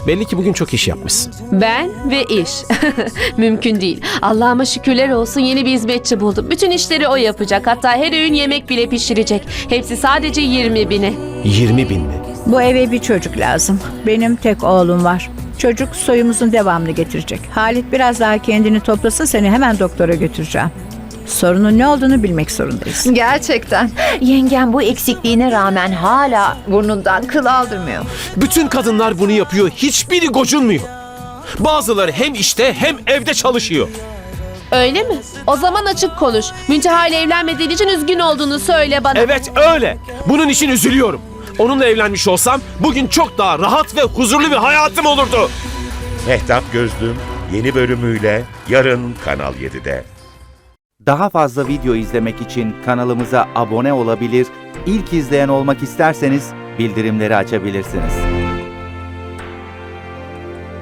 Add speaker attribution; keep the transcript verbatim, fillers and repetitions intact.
Speaker 1: Belli ki bugün çok iş yapmışsın.
Speaker 2: Ben ve iş. Mümkün değil. Allah'ıma şükürler olsun yeni bir hizmetçi buldum. Bütün işleri o yapacak. Hatta her öğün yemek bile pişirecek. Hepsi sadece yirmi bine.
Speaker 1: yirmi bin mi?
Speaker 3: Bu eve bir çocuk lazım. Benim tek oğlum var. Çocuk soyumuzun devamını getirecek. Halit biraz daha kendini toplasa seni hemen doktora götüreceğim. Sorunun ne olduğunu bilmek zorundayız.
Speaker 4: Gerçekten. Yengem bu eksikliğine rağmen hala burnundan kıl aldırmıyor.
Speaker 1: Bütün kadınlar bunu yapıyor. Hiçbiri gocunmuyor. Bazıları hem işte hem evde çalışıyor.
Speaker 2: Öyle mi? O zaman açık konuş. Münteha ile evlenmediğin için üzgün olduğunu söyle bana.
Speaker 1: Evet öyle. Bunun için üzülüyorum. Onunla evlenmiş olsam bugün çok daha rahat ve huzurlu bir hayatım olurdu.
Speaker 5: Mehtap Gözlüm yeni bölümüyle yarın Kanal yedide.
Speaker 6: Daha fazla video izlemek için kanalımıza abone olabilir, ilk izleyen olmak isterseniz bildirimleri açabilirsiniz.